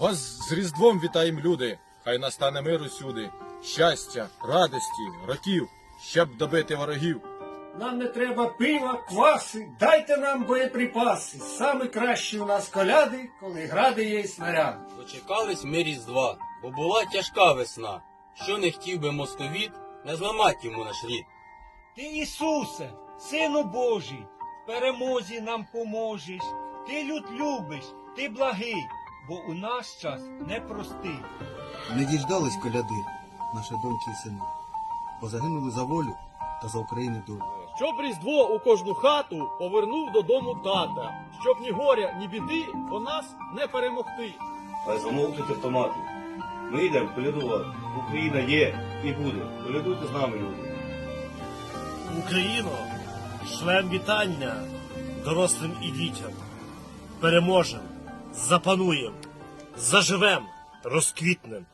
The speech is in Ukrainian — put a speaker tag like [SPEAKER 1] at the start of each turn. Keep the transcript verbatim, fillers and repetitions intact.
[SPEAKER 1] Вас з Різдвом вітаєм, люди, хай настане мир усюди, щастя, радості, років, щоб добити ворогів.
[SPEAKER 2] Нам не треба пива, кваси, дайте нам боєприпаси. Саме кращі у нас коляди, коли гради є й снаряди.
[SPEAKER 3] Дочекались ми Різдва, бо була тяжка весна. Що не хотів би московіт, не зламать йому наш рід.
[SPEAKER 4] Ти, Ісусе, Сину Божий, в перемозі нам поможеш. Ти люд любиш, ти благий, бо у наш час непростий.
[SPEAKER 5] Не діждались коляди, наші доньки і сини, бо загинули за волю та за України долю.
[SPEAKER 6] Щоб Різдво у кожну хату повернув додому тата, щоб ні горя, ні біди по нас не перемогти.
[SPEAKER 7] Хай замовкнуть автомати. Ми йдемо колядувати. Україна є і буде. Колядуйте з нами, люди.
[SPEAKER 8] Україно, шлем вітання дорослим і дітям. Переможем, запануєм, заживем, розквітнем.